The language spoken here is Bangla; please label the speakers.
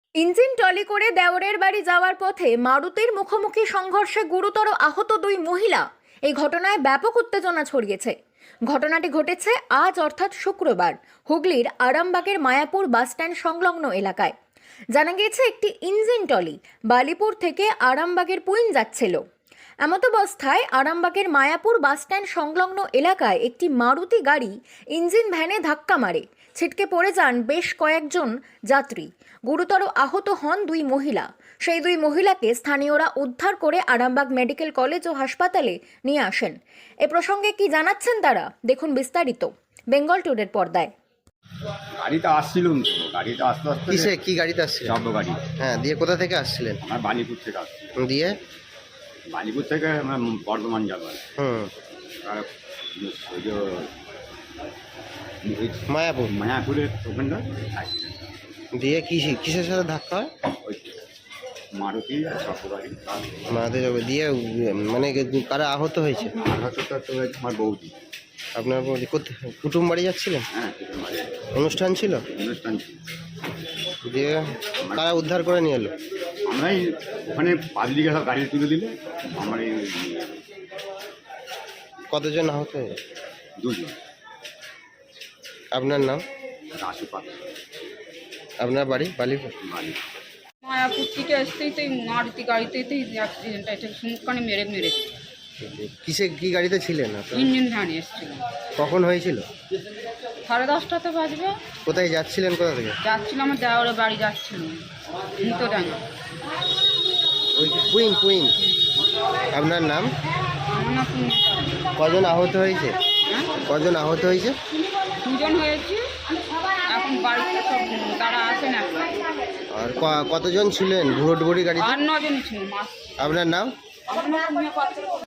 Speaker 1: ইঞ্জিন টলি করে দেওরের বাড়ি যাওয়ার পথে মারুতির মুখোমুখি সংঘর্ষে গুরুতর আহত দুই মহিলা। এই ঘটনায় ব্যাপক উত্তেজনা ছড়িয়েছে। ঘটনাটি ঘটেছে আজ অর্থাৎ শুক্রবার হুগলির আরামবাগের মায়াপুর বাসস্ট্যান্ড সংলগ্ন এলাকায়। জানা গিয়েছে একটি ইঞ্জিন টলি বালিপুর থেকে আরামবাগের পুইন যাচ্ছিল। এমতাবস্থায় আরামবাগের মায়াপুর বাসস্ট্যান্ড সংলগ্ন এলাকায় একটি মারুতি গাড়ি ইঞ্জিন ভ্যানে ধাক্কা মারে। ছিটকে পড়ে যান বেশ কয়েকজন যাত্রী। গুরুতর আহত হন দুই মহিলা। সেই দুই মহিলাকে স্থানীয়রা উদ্ধার করে আরামবাগ মেডিকেল কলেজ ও হাসপাতালে নিয়ে আসেন। এ প্রসঙ্গে কি জানাচ্ছেন তারা, দেখুন বিস্তারিত বেঙ্গল টুডের পর্দায়।
Speaker 2: গাড়িতে আসছিলাম তো, গাড়িতে আস্তে আস্তে
Speaker 3: কিসে কি গাড়িতে আসছিলেন?
Speaker 2: শব্দ গাড়ি।
Speaker 3: হ্যাঁ, দিয়ে কোথা থেকে আসছিলেন?
Speaker 2: আমার বালিপুর থেকে আসছি।
Speaker 3: দিয়ে
Speaker 2: বালিপুর থেকে আমরা বর্ধমান যাবো। আর ওই যে
Speaker 3: মায়াপুর।
Speaker 2: মায়াপুরের ওখানটা অ্যাক্সিডেন্ট।
Speaker 3: দিয়ে কিসের সাথে ধাক্কা হয়?
Speaker 2: ওই মারুতি আর শব্দ গাড়ি।
Speaker 3: মারাতে যাবে দিয়ে মানে কারা আহত হয়েছে?
Speaker 2: আঘাতটা তো হয়েছে আমার বৌদি।
Speaker 3: আপনার কুটুম বাড়ি যাচ্ছিলেন?
Speaker 2: হ্যাঁ, মানে
Speaker 3: অনুষ্ঠান ছিল?
Speaker 2: অনুষ্ঠান ছিল।
Speaker 3: দিয়ে কারা উদ্ধার করে নিয়ে এলো?
Speaker 2: আমরাই ওখানে পাবলিকে সব গাড়ি তুলে দিলে আমার এই
Speaker 3: কতজন আহত হয়েছে?
Speaker 2: দুজন।
Speaker 3: আপনার নাম?
Speaker 2: রাসু পাত্র,
Speaker 3: আপনার বাড়ি বালিপুর?
Speaker 2: বাড়ি।
Speaker 4: মায়াপুর থেকে আসতেই তো এই মারুতি গাড়িতেই তো অ্যাক্সিডেন্টটা, এটা সুমুখানে মেরে
Speaker 3: কি গাড়িতে ছিলেন আপনারা?
Speaker 4: ইঞ্জিন ভ্যানে এসেছিল।
Speaker 3: কখন হয়েছিল?
Speaker 4: 10:30টাতে বাজবে।
Speaker 3: কোথায় যাচ্ছিলেন, কোথা থেকে?
Speaker 4: যাচ্ছিল আমার দেওয়ারে বাড়ি যাচ্ছিল ভিতরাঙ্গা।
Speaker 3: ওই পুইন। আপনার নাম?
Speaker 4: আমার না
Speaker 3: কজন আহত হয়েছে?
Speaker 4: হ্যাঁ,
Speaker 3: কজন আহত হয়েছে?
Speaker 4: 2জন হয়েছে। এখন বাড়িতে সব তারা আসেন এখন।
Speaker 3: আর কতজন ছিলেন বুড়ি গাড়িতে?
Speaker 4: আর 9জন ছিল মাস।
Speaker 3: আপনার নাম?
Speaker 4: আমার না